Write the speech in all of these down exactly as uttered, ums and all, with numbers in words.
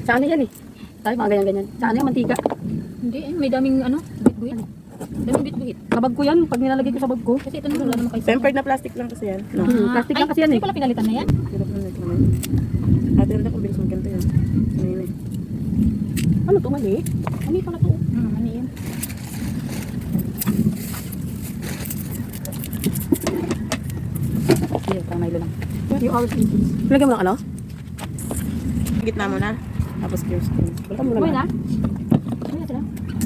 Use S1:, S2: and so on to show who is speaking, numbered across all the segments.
S1: Sa ano yan eh? Tayo mga ganyan-ganyan. Sa ano yung mantika?
S2: Hindi eh, may daming ano, bit-buhit. Daming bit-buhit.
S1: Sa bag ko yan, pag nilalagay ko sa bag ko.
S2: Kasi ito na wala naman kayo.
S3: Tempered na plastic lang kasi yan. No.
S1: Hmm, plastic lang kasi yan eh.
S2: Hindi pala pinalitan na yan.
S3: Hirap na nito naman. Ate, hindi ko bilis magkanto yan. Ano yun eh.
S1: Ano to, mali?
S2: Mali pala to. Hmm, mali yan.
S1: Sige, parang Milo lang. Yung hours pieces. Lagyan mo ng ano?
S3: Gitna mo na. Tapos clear skin.
S1: Balikan mo
S2: Buhay
S1: na.
S2: na? Buhay na sila.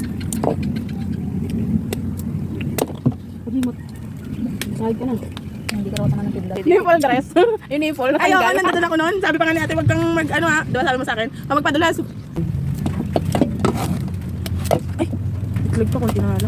S1: Pag-imot. Sahig ka na.
S2: Hindi ka raw tanga ng kidlat.
S3: Nipple dress. Yung nipple. Ayaw ka, nandun ako noon. Sabi pa nga ni ate, wag kang mag, ano ha, diba sabi mo sa akin, huwag magpadulas. Ay, itlog pa kung tinalo.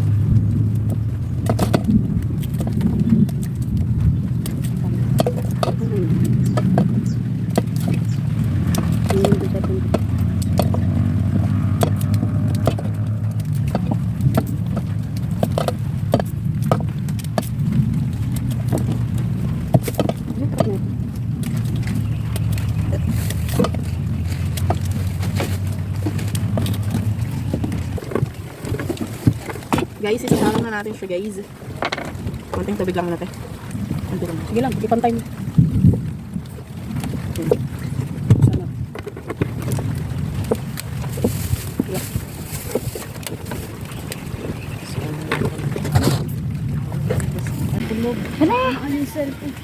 S3: Guys, isasalang na natin siya guys. Konting tubig lang natin. Konting lang.
S1: Sige lang, ipantay mo. Sana. Yeah.
S2: Hala! Ano yung cellphone?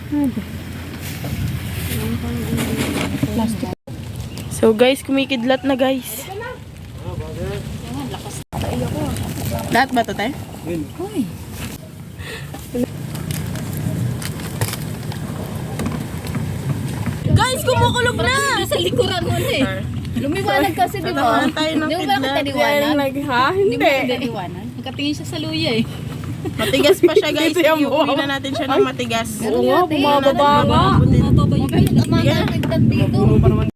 S2: Plastic.
S3: So guys, kumikidlat na guys. Lahat ba ito tayo?
S2: Uy!
S3: Guys, kumukulog na!
S2: Sa likuran mo na eh. Lumiwanag kasi, di ba?
S3: Natawanan tayo ng
S2: Di mo ba
S3: kidlat.
S2: kataliwanag?
S3: Ha?
S2: Hindi mo kataliwanag? Nakatingin siya sa luya eh.
S3: Matigas pa siya guys. Dito yung Iuwi
S2: oh.
S3: na natin siya ng matigas.
S2: Oo nga,
S1: bumababa nga.
S2: Bumababa yung kidlat dito.